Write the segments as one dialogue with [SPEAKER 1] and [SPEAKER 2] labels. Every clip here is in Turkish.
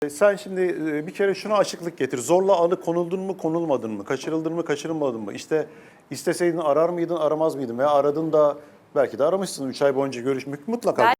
[SPEAKER 1] Sen şimdi bir kere şuna açıklık getir. Zorla alıkonuldun mu, konulmadın mı? Kaçırıldın mı, kaçırılmadın mı? İşte isteseydin arar mıydın, aramaz mıydın? Veya aradın da belki de aramışsın 3 ay boyunca görüşmek mutlaka.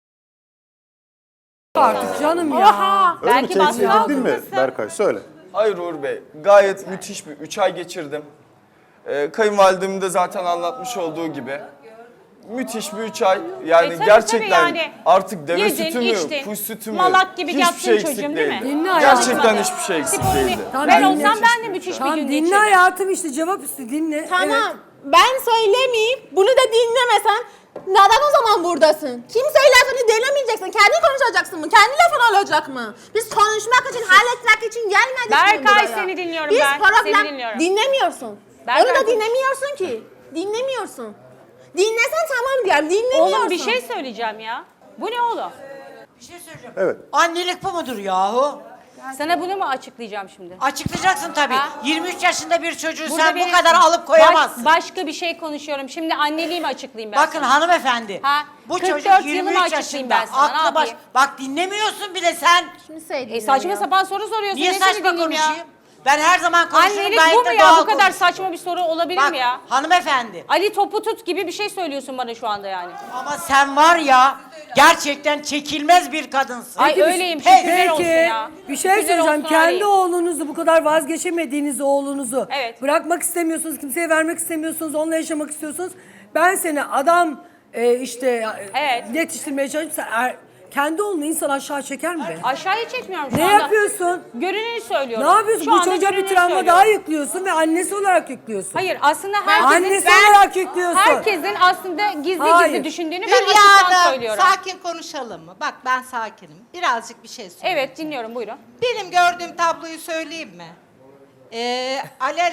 [SPEAKER 2] Artık canım ya.
[SPEAKER 1] Öyle mi?
[SPEAKER 3] Belki
[SPEAKER 1] Tehdit
[SPEAKER 3] baskı
[SPEAKER 1] edildin mi
[SPEAKER 3] altındasın.
[SPEAKER 1] Berkay? Söyle.
[SPEAKER 4] Hayır Uğur Bey, gayet müthiş bir 3 ay geçirdim. Kayınvalidemin de zaten anlatmış olduğu gibi. Müthiş bir 3 ay. Yani
[SPEAKER 3] Tabii,
[SPEAKER 4] gerçekten
[SPEAKER 3] tabii yani.
[SPEAKER 4] artık deve
[SPEAKER 3] Yedin,
[SPEAKER 4] sütü mü,
[SPEAKER 3] içtin,
[SPEAKER 4] kuş sütü mü?
[SPEAKER 3] malak gibi
[SPEAKER 4] hiçbir
[SPEAKER 3] yattın
[SPEAKER 4] şey eksik
[SPEAKER 3] çocuğum, değil mi?
[SPEAKER 4] değildi.
[SPEAKER 2] Dinle hayatım.
[SPEAKER 4] Gerçekten hiçbir şey eksik
[SPEAKER 3] Sporunu-
[SPEAKER 4] değildi.
[SPEAKER 2] Tamam,
[SPEAKER 3] Ben
[SPEAKER 2] dinle.
[SPEAKER 3] olsam ben de müthiş bir
[SPEAKER 2] Tamam
[SPEAKER 3] gün
[SPEAKER 2] dinle
[SPEAKER 3] geçirdim.
[SPEAKER 2] hayatım işte cevap üstü dinle.
[SPEAKER 5] Tamam.
[SPEAKER 2] Evet.
[SPEAKER 5] Ben söylemeyeyim. Bunu da dinlemesen neden o zaman buradasın? Kimseyle lafını dinlemeyeceksin. Kendin konuşacaksın mı? Kendi lafın olacak mı? Biz konuşmak için, halletmek için gelmedik mi buraya?
[SPEAKER 3] Berkay seni dinliyorum
[SPEAKER 5] Biz
[SPEAKER 3] ben.
[SPEAKER 5] problem
[SPEAKER 3] Seni dinliyorum.
[SPEAKER 5] dinlemiyorsun.
[SPEAKER 3] Berkay
[SPEAKER 5] Onu da
[SPEAKER 3] konuş.
[SPEAKER 5] dinlemiyorsun ki. Dinlemiyorsun. Dinlesen tamam diyorum. Dinlemiyorsun.
[SPEAKER 3] Oğlum bir şey söyleyeceğim ya. Bu ne oğlum?
[SPEAKER 6] Bir şey söyleyeceğim.
[SPEAKER 1] Evet.
[SPEAKER 6] Annelik bu mudur yahu?
[SPEAKER 3] Sana bunu mu açıklayacağım şimdi?
[SPEAKER 6] Açıklayacaksın tabii.
[SPEAKER 3] Ha?
[SPEAKER 6] 23 yaşında bir çocuğu
[SPEAKER 3] Burada
[SPEAKER 6] sen bu
[SPEAKER 3] benim-
[SPEAKER 6] kadar alıp koyamazsın.
[SPEAKER 3] Başka bir şey konuşuyorum. Şimdi anneliğimi açıklayayım ben
[SPEAKER 6] Bakın
[SPEAKER 3] sana.
[SPEAKER 6] hanımefendi.
[SPEAKER 3] Ha,
[SPEAKER 6] Bu
[SPEAKER 3] 44
[SPEAKER 6] çocuk
[SPEAKER 3] yılımı
[SPEAKER 6] 23
[SPEAKER 3] açıklayayım
[SPEAKER 6] yaşında.
[SPEAKER 3] ben sana, ne
[SPEAKER 6] Aklı baş.
[SPEAKER 3] yapayım?
[SPEAKER 6] Bak dinlemiyorsun bile sen.
[SPEAKER 5] Kimseyi
[SPEAKER 3] Saçma
[SPEAKER 5] dinlemiyor.
[SPEAKER 3] sapan soru soruyorsun.
[SPEAKER 6] Niye
[SPEAKER 3] Ne seni
[SPEAKER 6] saçma
[SPEAKER 3] dinleyeyim ya?
[SPEAKER 6] konuşayım? Ben her zaman konuşurum
[SPEAKER 3] Annelik
[SPEAKER 6] gayet
[SPEAKER 3] bu mu
[SPEAKER 6] de
[SPEAKER 3] ya?
[SPEAKER 6] doğal
[SPEAKER 3] Bu kadar
[SPEAKER 6] konuşurum.
[SPEAKER 3] saçma bir soru olabilir
[SPEAKER 6] Bak
[SPEAKER 3] mi ya?
[SPEAKER 6] hanımefendi.
[SPEAKER 3] Ali topu tut gibi bir şey söylüyorsun bana şu anda yani.
[SPEAKER 6] Ama sen var ya gerçekten çekilmez bir kadınsın.
[SPEAKER 3] Ay
[SPEAKER 2] Peki,
[SPEAKER 3] öyleyim
[SPEAKER 6] peki,
[SPEAKER 3] şükürler olsun ya.
[SPEAKER 2] Bir şey
[SPEAKER 3] Şükürler
[SPEAKER 2] söyleyeceğim.
[SPEAKER 3] olsun
[SPEAKER 2] Kendi
[SPEAKER 3] öyleyim.
[SPEAKER 2] oğlunuzu bu kadar vazgeçemediğiniz oğlunuzu
[SPEAKER 3] Evet.
[SPEAKER 2] bırakmak istemiyorsunuz, kimseye vermek istemiyorsunuz, onunla yaşamak istiyorsunuz. Ben seni adam
[SPEAKER 3] Evet.
[SPEAKER 2] yetiştirmeye çalışıp kendi oğlunu insan aşağı çeker mi be?
[SPEAKER 3] Aşağıya çekmiyorum şu
[SPEAKER 2] Ne
[SPEAKER 3] anda.
[SPEAKER 2] yapıyorsun?
[SPEAKER 3] Görüneni söylüyorum.
[SPEAKER 2] Ne yapıyorsun?
[SPEAKER 3] Şu
[SPEAKER 2] Bu
[SPEAKER 3] anda
[SPEAKER 2] çocuğa bir
[SPEAKER 3] görüneni
[SPEAKER 2] travma
[SPEAKER 3] söylüyorum.
[SPEAKER 2] daha yüklüyorsun ve annesi olarak yüklüyorsun.
[SPEAKER 3] Hayır aslında herkesin,
[SPEAKER 2] Annesi olarak yüklüyorsun.
[SPEAKER 3] herkesin aslında gizli
[SPEAKER 2] Hayır.
[SPEAKER 3] gizli düşündüğünü ben
[SPEAKER 7] Hülya
[SPEAKER 3] açıktan
[SPEAKER 7] Hanım,
[SPEAKER 3] söylüyorum.
[SPEAKER 7] sakin konuşalım mı? Bak ben sakinim. Birazcık bir şey söyleyeyim.
[SPEAKER 3] Evet dinliyorum buyurun.
[SPEAKER 7] Benim gördüğüm tabloyu söyleyeyim mi? Alel...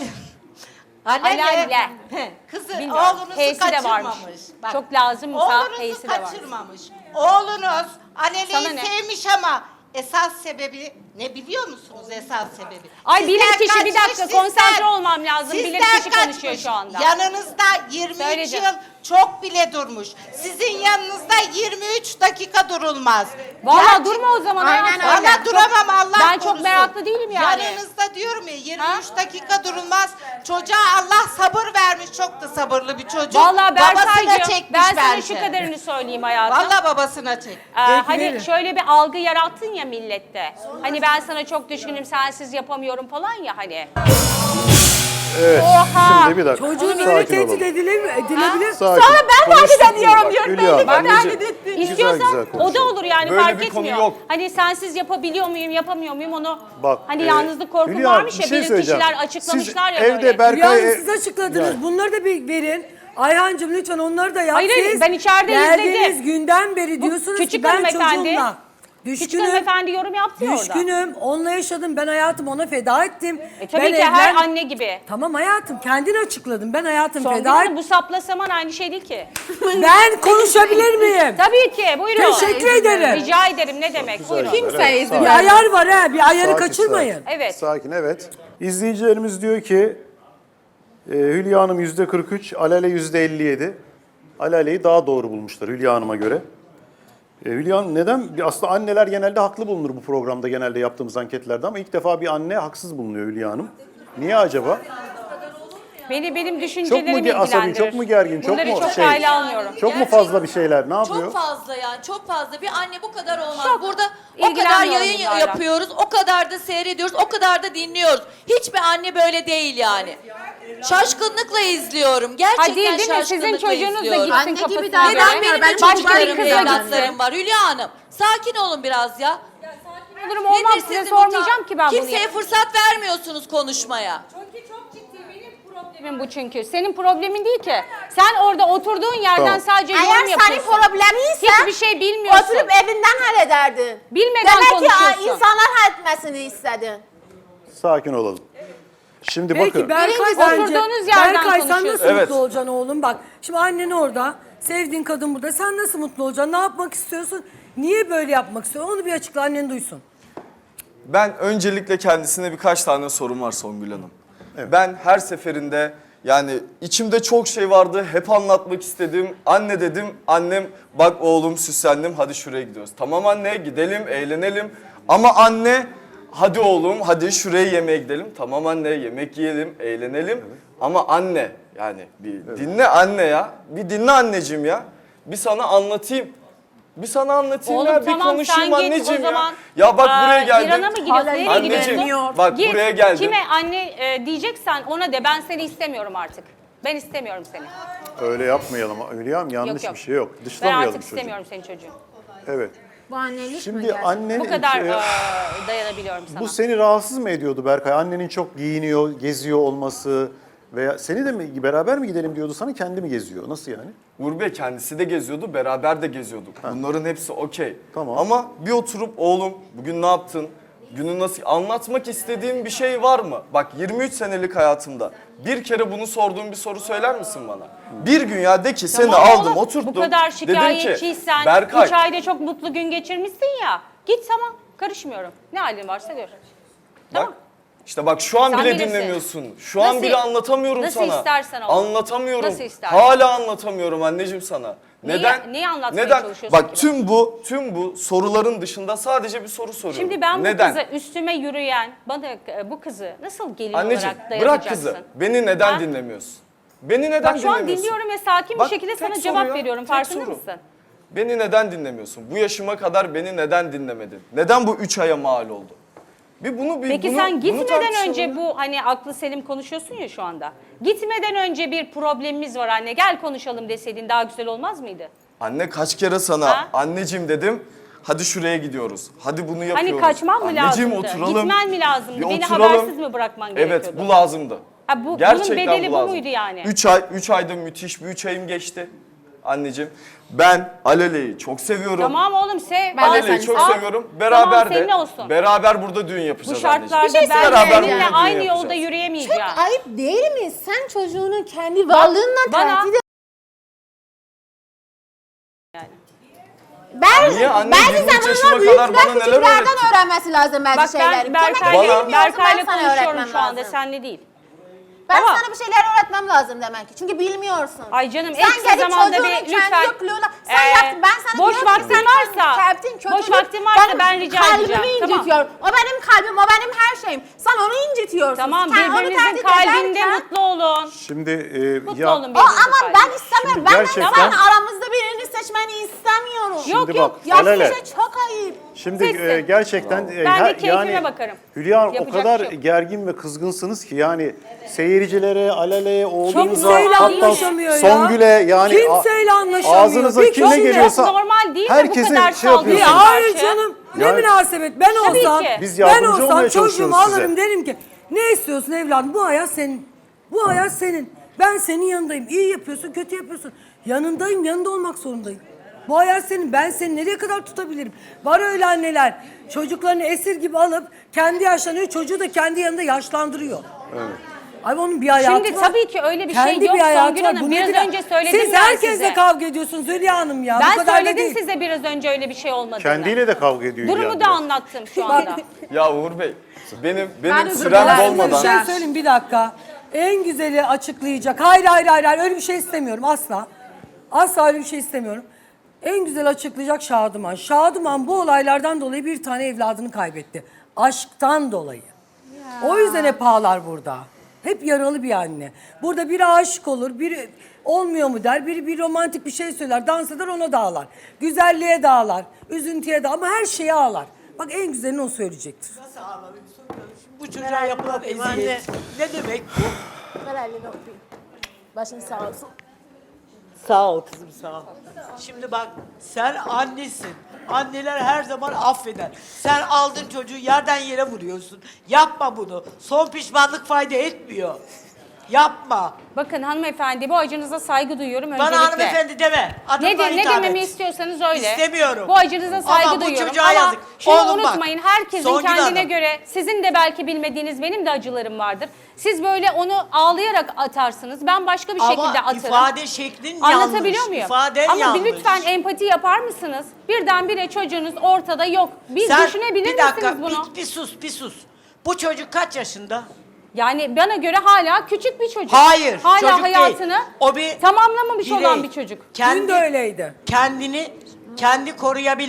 [SPEAKER 3] Alelle.
[SPEAKER 7] Kızı,
[SPEAKER 3] Bilmiyorum.
[SPEAKER 7] oğlunuzu
[SPEAKER 3] H'si de varmış.
[SPEAKER 7] kaçırmamış.
[SPEAKER 3] Çok lazımsa
[SPEAKER 7] oğlunuzu
[SPEAKER 3] H'si de var.
[SPEAKER 7] kaçırmamış. Oğlunuz
[SPEAKER 3] Sana
[SPEAKER 7] Aleli'yi
[SPEAKER 3] ne?
[SPEAKER 7] sevmiş ama esas sebebi ne biliyor musunuz esas sebebi?
[SPEAKER 3] Ay
[SPEAKER 7] Sizden
[SPEAKER 3] bilirkişi bir
[SPEAKER 7] kaçmış,
[SPEAKER 3] dakika konsantre olmam lazım.
[SPEAKER 7] sizden
[SPEAKER 3] Bilirkişi konuşuyor
[SPEAKER 7] kaçmış.
[SPEAKER 3] şu anda.
[SPEAKER 7] Yanınızda 23
[SPEAKER 3] Söyleyeceğim.
[SPEAKER 7] yıl çok bile durmuş. Sizin yanınızda 23 dakika durulmaz.
[SPEAKER 3] Vallahi durma o zaman.
[SPEAKER 5] Aynen
[SPEAKER 3] hayatım.
[SPEAKER 5] öyle.
[SPEAKER 7] Valla duramam Allah
[SPEAKER 3] Ben
[SPEAKER 7] korusun.
[SPEAKER 3] çok meraklı değilim yani.
[SPEAKER 7] Yanınızda diyorum ya 23
[SPEAKER 3] Ha?
[SPEAKER 7] dakika durulmaz. Çocuğa Allah sabır vermiş. Çok da sabırlı bir çocuk.
[SPEAKER 3] Vallahi
[SPEAKER 7] babasına
[SPEAKER 3] Berkay'cığım
[SPEAKER 7] çekmiş
[SPEAKER 3] ben sana
[SPEAKER 7] bence.
[SPEAKER 3] şu kadarını söyleyeyim hayatım.
[SPEAKER 7] Valla babasına çek.
[SPEAKER 3] Hani
[SPEAKER 2] verin.
[SPEAKER 3] şöyle bir algı yarattın ya millette. Hani ben sana çok düşkünüm sensiz yapamıyorum falan ya hani.
[SPEAKER 1] Evet.
[SPEAKER 3] Oha!
[SPEAKER 1] Şimdi bir dakika.
[SPEAKER 2] Çocuğun
[SPEAKER 1] Sakin
[SPEAKER 2] öyle
[SPEAKER 1] olalım.
[SPEAKER 2] tehdit edilebilir.
[SPEAKER 1] Sakin.
[SPEAKER 5] Sonra ben tahdit
[SPEAKER 1] Konuştuk mu
[SPEAKER 5] ediyorum
[SPEAKER 1] bak,
[SPEAKER 5] diyorum.
[SPEAKER 1] Hülya
[SPEAKER 5] Belli
[SPEAKER 1] Hanım,
[SPEAKER 5] ki
[SPEAKER 1] anneciğim.
[SPEAKER 5] tahdit ettin.
[SPEAKER 3] İstiyorsan
[SPEAKER 1] güzel
[SPEAKER 3] o da
[SPEAKER 1] konuşalım.
[SPEAKER 3] olur yani
[SPEAKER 4] Böyle
[SPEAKER 3] fark
[SPEAKER 4] bir konu
[SPEAKER 3] etmiyor.
[SPEAKER 4] yok.
[SPEAKER 3] Hani sensiz yapabiliyor muyum yapamıyor muyum onu
[SPEAKER 1] Bak,
[SPEAKER 3] hani yalnızlık korkum
[SPEAKER 1] Hülya Hanım,
[SPEAKER 3] varmış
[SPEAKER 1] bir
[SPEAKER 3] ya
[SPEAKER 1] şey
[SPEAKER 3] bilir
[SPEAKER 1] söyleyeceğim.
[SPEAKER 3] kişiler açıklamışlar
[SPEAKER 1] Siz
[SPEAKER 3] ya
[SPEAKER 1] evde
[SPEAKER 3] böyle.
[SPEAKER 1] Berkay...
[SPEAKER 2] Yani siz açıkladınız.
[SPEAKER 1] Yani.
[SPEAKER 2] Bunları da bir verin. Ayhancığım lütfen onları da yap.
[SPEAKER 3] Hayır, hayır,
[SPEAKER 2] Siz
[SPEAKER 3] ben içeride
[SPEAKER 2] geldiğiniz
[SPEAKER 3] izledim.
[SPEAKER 2] günden beri diyorsunuz
[SPEAKER 3] küçük
[SPEAKER 2] ki ben
[SPEAKER 3] hanımefendi-
[SPEAKER 2] çocuğumla
[SPEAKER 3] Küçük
[SPEAKER 2] düşkünüm.
[SPEAKER 3] hanımefendi yorum yaptı ya orada.
[SPEAKER 2] Düşkünüm. Onunla yaşadım. Ben hayatımı ona feda ettim.
[SPEAKER 3] Tabii
[SPEAKER 2] Ben
[SPEAKER 3] ki her
[SPEAKER 2] evlen-
[SPEAKER 3] anne gibi.
[SPEAKER 2] Tamam hayatım kendin açıkladın. Ben hayatım
[SPEAKER 3] Songül
[SPEAKER 2] feda
[SPEAKER 3] Hanım
[SPEAKER 2] ettim.
[SPEAKER 3] bu sapla saman aynı şey değil ki.
[SPEAKER 2] Ben konuşabilir miyim?
[SPEAKER 3] Tabii ki buyurun.
[SPEAKER 2] Teşekkür ederim.
[SPEAKER 3] Rica ederim ne demek buyurun.
[SPEAKER 5] Kimseye izin
[SPEAKER 2] Bir
[SPEAKER 5] vermiyor.
[SPEAKER 2] ayar var ha. Bir ayarı
[SPEAKER 1] Sakin,
[SPEAKER 2] kaçırmayın.
[SPEAKER 1] sakin.
[SPEAKER 3] Evet.
[SPEAKER 1] Sakin, evet. İzleyicilerimiz diyor ki Hülya Hanım %43, Alale %57. Alale'yi daha doğru bulmuşlar Hülya Hanım'a göre. Hülya Hanım neden? Aslında anneler genelde haklı bulunur bu programda genelde yaptığımız anketlerde ama ilk defa bir anne haksız bulunuyor Hülya Hanım. Niye acaba?
[SPEAKER 3] Benim düşüncelerimi
[SPEAKER 1] Çok mu
[SPEAKER 3] ilgilendirir.
[SPEAKER 1] asabi, çok mu gergin, çok
[SPEAKER 3] Bunları
[SPEAKER 1] mu
[SPEAKER 3] çok
[SPEAKER 1] şey?
[SPEAKER 3] kayla almıyorum.
[SPEAKER 1] Çok mu fazla bir şeyler? Ne yapıyor?
[SPEAKER 8] Çok fazla yani çok fazla. Bir anne bu kadar olmaz.
[SPEAKER 3] Çok
[SPEAKER 8] Burada o kadar
[SPEAKER 3] ilgilenmiyorum
[SPEAKER 8] yayın
[SPEAKER 3] bunlarla.
[SPEAKER 8] yapıyoruz, o kadar da seyrediyoruz, o kadar da dinliyoruz. Hiçbir anne böyle değil yani. Şaşkınlıkla izliyorum. Gerçekten
[SPEAKER 3] Ha değil mi? Sizin
[SPEAKER 8] şaşkınlıkla
[SPEAKER 3] çocuğunuz da
[SPEAKER 8] izliyorum.
[SPEAKER 3] gitsin
[SPEAKER 5] Anne gibi
[SPEAKER 3] kafasına
[SPEAKER 5] davranmıyor.
[SPEAKER 3] göre.
[SPEAKER 8] Neden benim
[SPEAKER 5] Ben
[SPEAKER 8] de
[SPEAKER 5] başka bir
[SPEAKER 8] çocuklarım,
[SPEAKER 5] kıza
[SPEAKER 8] evlatlarım
[SPEAKER 5] gitsin.
[SPEAKER 8] var Hülya Hanım? Sakin olun biraz ya.
[SPEAKER 3] Olurum olmam
[SPEAKER 8] Nedir
[SPEAKER 3] size
[SPEAKER 8] sizin
[SPEAKER 3] sormayacağım ki ben bunu.
[SPEAKER 8] Kimseye fırsat vermiyorsunuz konuşmaya.
[SPEAKER 3] Problemim bu çünkü. Senin problemin değil ki. Sen orada oturduğun yerden
[SPEAKER 1] Tamam.
[SPEAKER 3] sadece yorum
[SPEAKER 5] Eğer senin
[SPEAKER 3] yapıyorsun.
[SPEAKER 5] problemiyse
[SPEAKER 3] Hiçbir şey bilmiyorsun.
[SPEAKER 5] oturup evinden hallederdin.
[SPEAKER 3] Bilmeden
[SPEAKER 5] Demek ki
[SPEAKER 3] konuşuyorsun.
[SPEAKER 5] insanlar halletmesini istedin.
[SPEAKER 1] Sakin olalım. Şimdi
[SPEAKER 2] Peki
[SPEAKER 1] bakın.
[SPEAKER 2] Berkay
[SPEAKER 3] Birincisi,
[SPEAKER 2] bence...
[SPEAKER 3] oturduğunuz yerden
[SPEAKER 2] Berkay sen nasıl
[SPEAKER 3] konuşuyorsun.
[SPEAKER 4] Evet.
[SPEAKER 2] mutlu olacaksın oğlum? Bak şimdi annen orada, sevdiğin kadın burada. Sen nasıl mutlu olacaksın? Ne yapmak istiyorsun? Niye böyle yapmak istiyorsun? Onu bir açıkla, annen duysun.
[SPEAKER 4] Ben öncelikle kendisine birkaç tane sorum var Songül Hanım. Ben her seferinde yani içimde çok şey vardı. Hep anlatmak istedim. Anne dedim. Annem bak oğlum süslendim hadi şuraya gidiyoruz. Tamam anne gidelim eğlenelim. Ama anne hadi oğlum hadi şuraya yemeğe gidelim. Tamam anne yemek yiyelim, eğlenelim. Ama anne yani bir dinle anne ya. Bir dinle anneciğim ya. Bir sana anlatayım. Bir sana anlatayım
[SPEAKER 3] Oğlum
[SPEAKER 4] ya. Bir
[SPEAKER 3] tamam,
[SPEAKER 4] konuşayım
[SPEAKER 3] sen git
[SPEAKER 4] anneciğim
[SPEAKER 3] o zaman.
[SPEAKER 4] ya. Ya bak buraya geldim.
[SPEAKER 3] İran'a mı gidiyorsun? Nereye
[SPEAKER 4] Anneciğim
[SPEAKER 3] gidiyorsun?
[SPEAKER 4] bak
[SPEAKER 3] Git.
[SPEAKER 4] buraya geldim.
[SPEAKER 3] Kime anne diyeceksen ona de, ben seni istemiyorum artık. Ben istemiyorum seni.
[SPEAKER 1] Öyle yapmayalım. Hülya'm yanlış
[SPEAKER 3] Yok.
[SPEAKER 1] bir şey yok.
[SPEAKER 3] Ben
[SPEAKER 1] Dışlamayalım
[SPEAKER 3] artık
[SPEAKER 1] çocuğu.
[SPEAKER 3] istemiyorum senin çocuğu.
[SPEAKER 1] Evet.
[SPEAKER 5] Bu annelik mi
[SPEAKER 1] Şimdi
[SPEAKER 5] gerçekten?
[SPEAKER 1] anne
[SPEAKER 3] Bu kadar dayanabiliyorum sana.
[SPEAKER 1] bu seni rahatsız mı ediyordu Berkay? Annenin çok giyiniyor, geziyor olması veya seni de mi beraber mi gidelim diyordu sana, kendi mi geziyor? Nasıl yani?
[SPEAKER 4] Uğur Bey kendisi de geziyordu, beraber de geziyorduk. Bunların hepsi okey.
[SPEAKER 1] Tamam.
[SPEAKER 4] Ama bir oturup oğlum bugün ne yaptın? Günü nasıl anlatmak istediğin bir şey var mı? Bak 23 senelik hayatımda bir kere bunu sorduğum bir soru söyler misin bana? Bir gün ya de ki seni
[SPEAKER 3] Tamam
[SPEAKER 4] aldım
[SPEAKER 3] oğlum,
[SPEAKER 4] oturttum.
[SPEAKER 3] Bu kadar
[SPEAKER 4] dedim ki
[SPEAKER 3] şikayetçiysen,
[SPEAKER 4] Berkay
[SPEAKER 3] 3 ayda çok mutlu gün geçirmişsin ya. Git tamam, karışmıyorum. Ne halin varsa gör. Tamam.
[SPEAKER 4] bak işte bak şu an
[SPEAKER 3] Sen
[SPEAKER 4] bile
[SPEAKER 3] bilirsin.
[SPEAKER 4] dinlemiyorsun. Şu an
[SPEAKER 3] Nasıl-
[SPEAKER 4] bile anlatamıyorum
[SPEAKER 3] nasıl
[SPEAKER 4] sana.
[SPEAKER 3] istersen oğlum.
[SPEAKER 4] Anlatamıyorum.
[SPEAKER 3] Nasıl istersen.
[SPEAKER 4] Hala anlatamıyorum anneciğim sana.
[SPEAKER 3] Neyi anlatmaya
[SPEAKER 4] Neden?
[SPEAKER 3] çalışıyorsun
[SPEAKER 4] Bak
[SPEAKER 3] ki?
[SPEAKER 4] tüm bu soruların dışında sadece bir soru soruyorum.
[SPEAKER 3] Şimdi ben
[SPEAKER 4] Neden?
[SPEAKER 3] bu kızı üstüme yürüyen, bana bu kızı nasıl gelin
[SPEAKER 4] Anneciğim
[SPEAKER 3] olarak
[SPEAKER 4] bırak
[SPEAKER 3] dayanacaksın?
[SPEAKER 4] kızı. Beni neden
[SPEAKER 3] Ha?
[SPEAKER 4] dinlemiyorsun? Beni neden
[SPEAKER 3] Bak şu an
[SPEAKER 4] dinlemiyorsun?
[SPEAKER 3] dinliyorum ve sakin bir
[SPEAKER 4] Bak,
[SPEAKER 3] şekilde
[SPEAKER 4] tek
[SPEAKER 3] sana
[SPEAKER 4] soru
[SPEAKER 3] cevap
[SPEAKER 4] ya,
[SPEAKER 3] veriyorum.
[SPEAKER 4] tek
[SPEAKER 3] Farkında
[SPEAKER 4] soru.
[SPEAKER 3] mısın?
[SPEAKER 4] Beni neden dinlemiyorsun? Bu yaşıma kadar beni neden dinlemedin? Neden bu 3 aya mal oldu?
[SPEAKER 3] Peki
[SPEAKER 4] bunu,
[SPEAKER 3] sen
[SPEAKER 4] bunu
[SPEAKER 3] gitmeden
[SPEAKER 4] tartışalım
[SPEAKER 3] önce
[SPEAKER 4] ya.
[SPEAKER 3] bu hani aklı selim konuşuyorsun ya şu anda. Gitmeden önce bir problemimiz var anne, gel konuşalım deseydin daha güzel olmaz mıydı?
[SPEAKER 4] Anne kaç kere sana
[SPEAKER 3] Ha?
[SPEAKER 4] anneciğim dedim. Hadi şuraya gidiyoruz. Hadi bunu yapıyoruz.
[SPEAKER 3] Hani kaçman mı
[SPEAKER 4] Anneciğim,
[SPEAKER 3] lazımdı?
[SPEAKER 4] oturalım.
[SPEAKER 3] Gitmen mi lazımdı?
[SPEAKER 4] Bir
[SPEAKER 3] Beni
[SPEAKER 4] oturalım.
[SPEAKER 3] habersiz mi bırakman gerekiyordu?
[SPEAKER 4] Evet bu lazımdı.
[SPEAKER 3] Ha, bunun
[SPEAKER 4] Gerçekten
[SPEAKER 3] bedeli bu
[SPEAKER 4] lazım.
[SPEAKER 3] muydu yani?
[SPEAKER 4] 3 ayda müthiş bir 3 ayım geçti. Anneciğim ben Alele'yi çok seviyorum.
[SPEAKER 3] Tamam oğlum sev.
[SPEAKER 5] Ben de
[SPEAKER 4] Alele'yi
[SPEAKER 5] seni
[SPEAKER 4] çok
[SPEAKER 3] Al.
[SPEAKER 4] seviyorum. Beraber
[SPEAKER 3] Tamam,
[SPEAKER 4] de
[SPEAKER 3] senin olsun.
[SPEAKER 4] beraber burada düğün
[SPEAKER 3] Bu
[SPEAKER 4] yapacağız
[SPEAKER 3] şartlarda
[SPEAKER 4] anneciğim.
[SPEAKER 3] ben
[SPEAKER 4] Beraber
[SPEAKER 3] seninle
[SPEAKER 4] burada düğün
[SPEAKER 3] aynı
[SPEAKER 4] yapacağız.
[SPEAKER 3] yolda
[SPEAKER 5] Çok
[SPEAKER 3] yürüyemeyeceğim.
[SPEAKER 5] ayıp değil mi? Sen çocuğunu kendi varlığınla
[SPEAKER 3] bana-
[SPEAKER 5] tehdit Ben,
[SPEAKER 4] Niye? Anne,
[SPEAKER 5] belki
[SPEAKER 4] 23 yaşıma
[SPEAKER 5] zamanla
[SPEAKER 4] kadar bana
[SPEAKER 5] büyükler
[SPEAKER 4] neler
[SPEAKER 5] küçüklerden
[SPEAKER 4] öğretti?
[SPEAKER 5] öğrenmesi lazım bazı
[SPEAKER 3] Bak
[SPEAKER 5] şeyleri.
[SPEAKER 3] ben Berkay'la
[SPEAKER 4] Bana-
[SPEAKER 3] konuşuyorum
[SPEAKER 5] öğretmem
[SPEAKER 3] şu anda,
[SPEAKER 5] lazım.
[SPEAKER 3] senle değil.
[SPEAKER 5] Ben
[SPEAKER 3] Tamam.
[SPEAKER 5] sana bir şeyler öğretmem lazım demek ki. Çünkü bilmiyorsun.
[SPEAKER 3] Ay canım,
[SPEAKER 5] sen
[SPEAKER 3] en kısa
[SPEAKER 5] gelip
[SPEAKER 3] zamanda
[SPEAKER 5] çocuğunun
[SPEAKER 3] bir
[SPEAKER 5] kendi
[SPEAKER 3] lütfen,
[SPEAKER 5] yokluğuyla... Sen yaptın. Ben sana
[SPEAKER 3] boş
[SPEAKER 5] diyorum ki
[SPEAKER 3] vaktin
[SPEAKER 5] sen
[SPEAKER 3] varsa-
[SPEAKER 5] kalbin kötüdür.
[SPEAKER 3] boş vaktin varsa ben rica edeceğim.
[SPEAKER 5] Kalbimi
[SPEAKER 3] Tamam.
[SPEAKER 5] incitiyor. O benim kalbim, o benim her şeyim. Sen onu incitiyorsun.
[SPEAKER 3] Tamam,
[SPEAKER 5] Sen onu
[SPEAKER 3] birbirinizin
[SPEAKER 5] tehdit
[SPEAKER 3] kalbinde
[SPEAKER 5] ederken-
[SPEAKER 3] mutlu olun.
[SPEAKER 1] Şimdi
[SPEAKER 3] Mutlu olun
[SPEAKER 5] O
[SPEAKER 3] birbirinizin
[SPEAKER 5] ama
[SPEAKER 3] kalbinde.
[SPEAKER 5] ben istemiyorum.
[SPEAKER 1] Şimdi
[SPEAKER 5] Ben
[SPEAKER 1] gerçekten-
[SPEAKER 5] sen aramızda birini seçmeni istemiyorum.
[SPEAKER 3] Yok
[SPEAKER 1] Şimdi
[SPEAKER 3] yok.
[SPEAKER 1] bak,
[SPEAKER 5] Yaptığın
[SPEAKER 1] Alele.
[SPEAKER 5] şey çok ayıp.
[SPEAKER 1] Şimdi
[SPEAKER 3] Seçsin.
[SPEAKER 1] gerçekten
[SPEAKER 3] Ben de keyfime bakarım.
[SPEAKER 1] Hülya o
[SPEAKER 3] Yapacak
[SPEAKER 1] kadar
[SPEAKER 3] bir şey yok.
[SPEAKER 1] gergin ve kızgınsınız ki yani seyircilere, Alele'ye, oğlunuza,
[SPEAKER 2] Kimseyle
[SPEAKER 1] hatta
[SPEAKER 2] anlaşamıyor ya.
[SPEAKER 1] Songül'e yani
[SPEAKER 2] Kimseyle anlaşamıyor.
[SPEAKER 1] ağzınıza
[SPEAKER 2] Bir
[SPEAKER 1] kim ne
[SPEAKER 2] kişiyle.
[SPEAKER 1] geliyorsa
[SPEAKER 3] Normal değil mi bu
[SPEAKER 1] herkese
[SPEAKER 3] kadar
[SPEAKER 1] şey
[SPEAKER 3] saldırı?
[SPEAKER 1] yapıyorsunuz.
[SPEAKER 2] Ya hayır
[SPEAKER 3] karşı.
[SPEAKER 2] canım. Ne
[SPEAKER 1] Yani-
[SPEAKER 2] münasebet. Ben
[SPEAKER 3] Tabii
[SPEAKER 2] olsam,
[SPEAKER 3] ki.
[SPEAKER 1] Biz
[SPEAKER 2] ben
[SPEAKER 1] yardımcı
[SPEAKER 2] olsam
[SPEAKER 1] olmaya
[SPEAKER 2] çocuğumu
[SPEAKER 1] çalışıyoruz
[SPEAKER 2] alırım
[SPEAKER 1] size.
[SPEAKER 2] derim ki ne istiyorsun evladım? Bu hayat senin. Bu hayat senin. Ben senin yanındayım. İyi yapıyorsun, kötü yapıyorsun. Yanındayım, yanında olmak zorundayım. Bu hayat senin. Ben seni nereye kadar tutabilirim? Var öyle anneler. Çocuklarını esir gibi alıp kendi yaşlanıyor. Çocuğu da kendi yanında yaşlandırıyor. Evet. Ay onun bir hayatı
[SPEAKER 3] Şimdi
[SPEAKER 2] var.
[SPEAKER 3] tabii ki öyle bir
[SPEAKER 2] Kendi
[SPEAKER 3] şey yok
[SPEAKER 2] bir hayatı
[SPEAKER 3] Songül
[SPEAKER 2] var.
[SPEAKER 3] Hanım.
[SPEAKER 2] Bu
[SPEAKER 3] Biraz
[SPEAKER 2] nedir?
[SPEAKER 3] önce söyledim
[SPEAKER 2] Siz
[SPEAKER 3] ben
[SPEAKER 2] herkesle
[SPEAKER 3] size.
[SPEAKER 2] kavga ediyorsunuz Hülya Hanım ya. Bu
[SPEAKER 3] Ben
[SPEAKER 2] kadar da
[SPEAKER 3] söyledim
[SPEAKER 2] değil.
[SPEAKER 3] size biraz önce öyle bir şey olmadığını.
[SPEAKER 1] Kendiyle de kavga ediyor Hülya
[SPEAKER 3] Durumu da
[SPEAKER 1] biraz.
[SPEAKER 3] anlattım şu anda.
[SPEAKER 4] Ya Uğur Bey benim
[SPEAKER 5] özür
[SPEAKER 4] sürem
[SPEAKER 5] dilerim.
[SPEAKER 2] Ben size bir
[SPEAKER 4] dolmadan.
[SPEAKER 2] şey söyleyeyim bir dakika. En güzeli açıklayacak. Hayır öyle bir şey istemiyorum asla. Asla öyle bir şey istemiyorum. En güzel açıklayacak Şadıman. Şadıman bu olaylardan dolayı bir tane evladını kaybetti. Aşktan dolayı. O yüzden hep ağlar burada. Hep yaralı bir anne. Burada biri aşık olur, biri olmuyor mu der, biri bir romantik bir şey söyler, dans eder ona da ağlar. Güzelliğe de ağlar, üzüntüye de ama her şeye ağlar. Bak en güzelini o söyleyecektir.
[SPEAKER 6] Bu çocuğa yapılan eziyet ne demek bu?
[SPEAKER 5] Ver elini öpeyim. Başın sağ olsun.
[SPEAKER 6] Sağ ol kızım sağ ol. Şimdi bak sen annesin. Anneler her zaman affeder. Sen aldın çocuğu yerden yere vuruyorsun. Yapma bunu. Son pişmanlık fayda etmiyor. Yapma.
[SPEAKER 3] Bakın hanımefendi, bu acınıza saygı duyuyorum öncelikle.
[SPEAKER 6] Bana hanımefendi deme. Adımla
[SPEAKER 3] Ne
[SPEAKER 6] hitap
[SPEAKER 3] dememi
[SPEAKER 6] et.
[SPEAKER 3] istiyorsanız öyle.
[SPEAKER 6] İstemiyorum.
[SPEAKER 3] Bu acınıza saygı
[SPEAKER 6] Ama bu
[SPEAKER 3] duyuyorum.
[SPEAKER 6] çocuğa
[SPEAKER 3] Ama
[SPEAKER 6] yazık.
[SPEAKER 3] şunu
[SPEAKER 6] Oğlum bak,
[SPEAKER 3] unutmayın, herkesin
[SPEAKER 6] Songül
[SPEAKER 3] kendine
[SPEAKER 6] Hanım.
[SPEAKER 3] göre, sizin de belki bilmediğiniz benim de acılarım vardır. Siz böyle onu ağlayarak atarsınız. Ben başka bir şekilde
[SPEAKER 6] Ama
[SPEAKER 3] atarım.
[SPEAKER 6] ifade şeklin yanlış.
[SPEAKER 3] Anlatabiliyor muyum?
[SPEAKER 6] İfaden
[SPEAKER 3] Ama
[SPEAKER 6] yanlış.
[SPEAKER 3] bir lütfen empati yapar mısınız? Birdenbire çocuğunuz ortada yok. Bir
[SPEAKER 6] Sen
[SPEAKER 3] düşünebilir
[SPEAKER 6] bir dakika,
[SPEAKER 3] misiniz bunu?
[SPEAKER 6] bir sus. Bu çocuk kaç yaşında?
[SPEAKER 3] Yani bana göre hala küçük bir çocuk.
[SPEAKER 6] Hayır,
[SPEAKER 3] Hala
[SPEAKER 6] çocuk
[SPEAKER 3] hayatını
[SPEAKER 6] değil. O bir
[SPEAKER 3] tamamlamamış
[SPEAKER 6] birey.
[SPEAKER 3] olan bir çocuk.
[SPEAKER 2] Dün de öyleydi.
[SPEAKER 6] Kendi koruyabilir.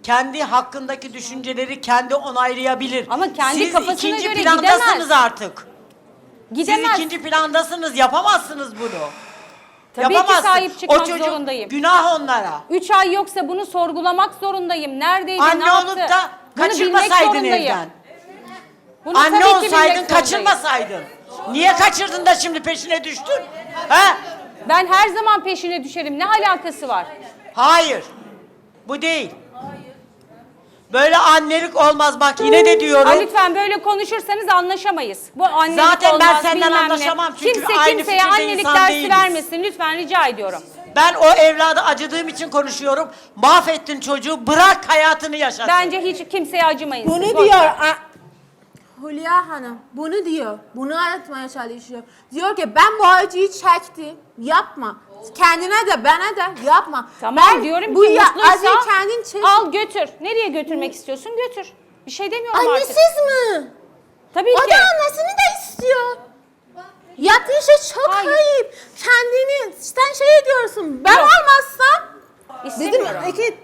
[SPEAKER 6] kendi hakkındaki düşünceleri kendi onaylayabilir.
[SPEAKER 3] Ama kendi
[SPEAKER 6] Siz
[SPEAKER 3] kafasına
[SPEAKER 6] ikinci
[SPEAKER 3] göre
[SPEAKER 6] plandasınız
[SPEAKER 3] gidemez.
[SPEAKER 6] artık.
[SPEAKER 3] Gidemez.
[SPEAKER 6] Siz ikinci plandasınız, yapamazsınız bunu.
[SPEAKER 3] Tabii ki
[SPEAKER 6] Yapamazsın.
[SPEAKER 3] sahip çıkmak
[SPEAKER 6] O çocuk
[SPEAKER 3] zorundayım.
[SPEAKER 6] günah onlara.
[SPEAKER 3] 3 ay yoksa bunu sorgulamak zorundayım. Neredeydi, ne
[SPEAKER 6] Anne
[SPEAKER 3] yaptı?
[SPEAKER 6] olup da
[SPEAKER 3] Bunu bilmek
[SPEAKER 6] kaçırmasaydın
[SPEAKER 3] zorundayım.
[SPEAKER 6] evden.
[SPEAKER 3] Bunu
[SPEAKER 6] Anne
[SPEAKER 3] tabii ki bilmek
[SPEAKER 6] olsaydın,
[SPEAKER 3] zorundayım.
[SPEAKER 6] kaçırmasaydın. Niye kaçırdın da şimdi peşine düştün? He?
[SPEAKER 3] Ben her zaman peşine düşerim. Ne alakası var?
[SPEAKER 6] Hayır. Bu değil. Böyle annelik olmaz, bak yine de diyorum.
[SPEAKER 3] Ay, lütfen böyle konuşursanız anlaşamayız. Bu annelik
[SPEAKER 6] Zaten ben
[SPEAKER 3] olmaz,
[SPEAKER 6] senden
[SPEAKER 3] bilmem ne.
[SPEAKER 6] anlaşamam çünkü
[SPEAKER 3] Kimse
[SPEAKER 6] aynı
[SPEAKER 3] kimseye
[SPEAKER 6] fikirde
[SPEAKER 3] annelik
[SPEAKER 6] insan
[SPEAKER 3] dersi
[SPEAKER 6] değiliz.
[SPEAKER 3] vermesin. Lütfen rica ediyorum.
[SPEAKER 6] Ben o evlada acıdığım için konuşuyorum. Mahvettin çocuğu, bırak hayatını yaşasın.
[SPEAKER 3] Bence hiç kimseye acımayın.
[SPEAKER 5] Bunu
[SPEAKER 3] siz. Boş
[SPEAKER 5] diyor.
[SPEAKER 3] ver.
[SPEAKER 5] Hülya Hanım bunu diyor. Bunu anlatmaya çalışıyor. Diyor ki ben bu acıyı çektim. Yapma. Kendine de bana da yapma.
[SPEAKER 3] Tamam
[SPEAKER 5] ben
[SPEAKER 3] diyorum
[SPEAKER 5] bu
[SPEAKER 3] ki mutluysa
[SPEAKER 5] acıyı kendin çek.
[SPEAKER 3] al götür. Nereye götürmek istiyorsun götür. Bir şey demiyorum artık.
[SPEAKER 5] Annesiz mi?
[SPEAKER 3] Tabii
[SPEAKER 5] O
[SPEAKER 3] ki.
[SPEAKER 5] da annesini de istiyor. Yaptığı şey çok
[SPEAKER 3] Hayır.
[SPEAKER 5] ayıp. Kendini sen şey ediyorsun. Ben
[SPEAKER 3] Yok.
[SPEAKER 5] olmazsam dedim
[SPEAKER 3] İstemiyorum.
[SPEAKER 5] iki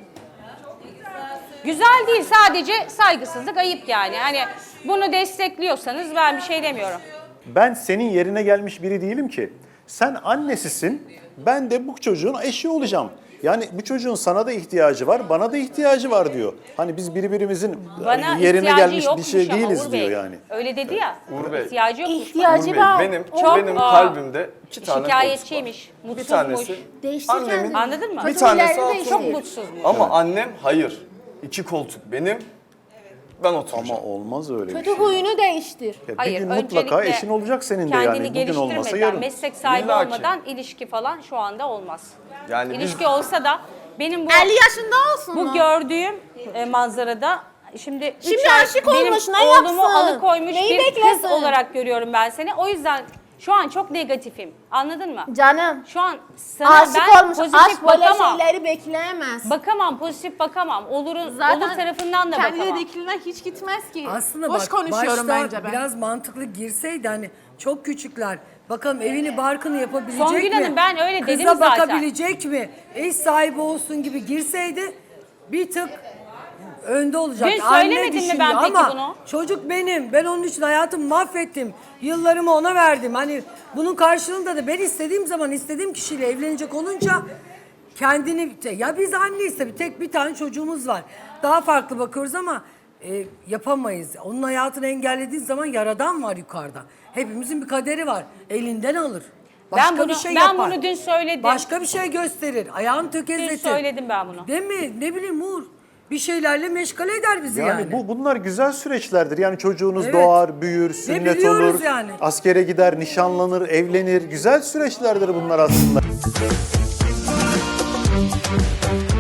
[SPEAKER 3] Güzel değil, sadece saygısızlık, ayıp yani. Hani bunu destekliyorsanız ben bir şey demiyorum.
[SPEAKER 1] Ben senin yerine gelmiş biri değilim ki. Sen annesisin, ben de bu çocuğun eşi olacağım. Yani bu çocuğun sana da ihtiyacı var, bana da ihtiyacı var diyor. Hani biz birbirimizin
[SPEAKER 3] Bana
[SPEAKER 1] yerine
[SPEAKER 3] ihtiyacı
[SPEAKER 1] gelmiş bir
[SPEAKER 3] yokmuş
[SPEAKER 1] şey
[SPEAKER 3] ama
[SPEAKER 1] değiliz
[SPEAKER 3] Uğur
[SPEAKER 1] diyor
[SPEAKER 3] Bey.
[SPEAKER 1] yani.
[SPEAKER 3] Öyle dedi ya.
[SPEAKER 4] Uğur Bey.
[SPEAKER 3] İhtiyacı yokmuş.
[SPEAKER 5] ihtiyacı
[SPEAKER 4] Uğur Bey,
[SPEAKER 5] var.
[SPEAKER 4] benim kalbimde iki tane koltuk var.
[SPEAKER 3] Şikayetçiymiş,
[SPEAKER 4] Bir
[SPEAKER 3] mutsuzmuş.
[SPEAKER 4] tanesi
[SPEAKER 5] Değiştir
[SPEAKER 4] annemin,
[SPEAKER 5] kendini.
[SPEAKER 3] Anladın mı?
[SPEAKER 4] bir tanesi
[SPEAKER 5] Fasulyeleri
[SPEAKER 4] altın.
[SPEAKER 3] Çok
[SPEAKER 5] değiştir.
[SPEAKER 3] mutsuzmuş.
[SPEAKER 4] Ama annem hayır. 2 koltuk benim, ben
[SPEAKER 1] Ama
[SPEAKER 4] oturacağım.
[SPEAKER 1] olmaz öyle bir
[SPEAKER 5] Kötü
[SPEAKER 1] şey.
[SPEAKER 5] huyunu değiştir.
[SPEAKER 1] Ya bir
[SPEAKER 3] Hayır,
[SPEAKER 1] gün mutlaka
[SPEAKER 3] öncelikle
[SPEAKER 1] eşin olacak senin de
[SPEAKER 3] kendini
[SPEAKER 1] yani. Bugün olmasa
[SPEAKER 3] geliştirmeden,
[SPEAKER 1] yarın.
[SPEAKER 3] meslek sahibi
[SPEAKER 4] İlla ki.
[SPEAKER 3] olmadan ilişki falan şu anda olmaz.
[SPEAKER 4] Yani biz-
[SPEAKER 3] İlişki olsa da benim bu
[SPEAKER 5] 50 yaşında olsun
[SPEAKER 3] bu
[SPEAKER 5] mu?
[SPEAKER 3] gördüğüm manzarada şimdi
[SPEAKER 5] Şimdi
[SPEAKER 3] 3 ay
[SPEAKER 5] aşık
[SPEAKER 3] benim
[SPEAKER 5] olmuş, ne
[SPEAKER 3] oğlumu
[SPEAKER 5] yapsın?
[SPEAKER 3] alıkoymuş
[SPEAKER 5] Neyi
[SPEAKER 3] bir
[SPEAKER 5] beklesin?
[SPEAKER 3] kız olarak görüyorum ben seni. O yüzden şu an çok negatifim. Anladın mı?
[SPEAKER 5] Canım.
[SPEAKER 3] Şu an sana
[SPEAKER 5] Aşık
[SPEAKER 3] ben
[SPEAKER 5] olmuş.
[SPEAKER 3] pozitif
[SPEAKER 5] Aşk böyle
[SPEAKER 3] bakamam.
[SPEAKER 5] şeyleri bekleyemez.
[SPEAKER 3] Bakamam, pozitif bakamam. Olur tarafından da
[SPEAKER 5] kendine
[SPEAKER 3] bakamam.
[SPEAKER 5] dikiliğine hiç gitmez ki.
[SPEAKER 2] Aslında
[SPEAKER 5] Boş
[SPEAKER 2] bak
[SPEAKER 5] konuşuyorum
[SPEAKER 2] başta
[SPEAKER 5] bence ben.
[SPEAKER 2] biraz mantıklı girseydi hani çok küçükler. Bakalım evini barkını yapabilecek
[SPEAKER 3] Songül
[SPEAKER 2] mi?
[SPEAKER 3] Hanım, ben öyle dedim
[SPEAKER 2] Kıza
[SPEAKER 3] zaten.
[SPEAKER 2] bakabilecek mi? Eş sahibi olsun gibi girseydi bir tık önde olacak.
[SPEAKER 3] Dün söylemedim mi ben peki
[SPEAKER 2] ama
[SPEAKER 3] bunu?
[SPEAKER 2] çocuk benim. Ben onun için hayatımı mahvettim. Yıllarımı ona verdim. Hani bunun karşılığında da ben istediğim zaman istediğim kişiyle evlenecek olunca kendini ya biz anneyiz tabii tek bir tane çocuğumuz var. Daha farklı bakıyoruz ama yapamayız. Onun hayatını engellediğin zaman yaradan var yukarıda. Hepimizin bir kaderi var. Elinden alır. Başka
[SPEAKER 3] Ben bunu-
[SPEAKER 2] bir şey
[SPEAKER 3] ben
[SPEAKER 2] yapar.
[SPEAKER 3] bunu dün söyledim.
[SPEAKER 2] Başka bir şey gösterir. Ayağını tökezletir.
[SPEAKER 3] Dün söyledim ben bunu.
[SPEAKER 2] Değil mi? Ne bileyim Uğur. Bir şeylerle meşgale eder bizi yani.
[SPEAKER 1] Yani bunlar güzel süreçlerdir. Yani çocuğunuz
[SPEAKER 2] Evet.
[SPEAKER 1] doğar, büyür, sünnet
[SPEAKER 2] biliyoruz
[SPEAKER 1] olur,
[SPEAKER 2] yani.
[SPEAKER 1] askere gider, nişanlanır, evlenir. Güzel süreçlerdir bunlar aslında.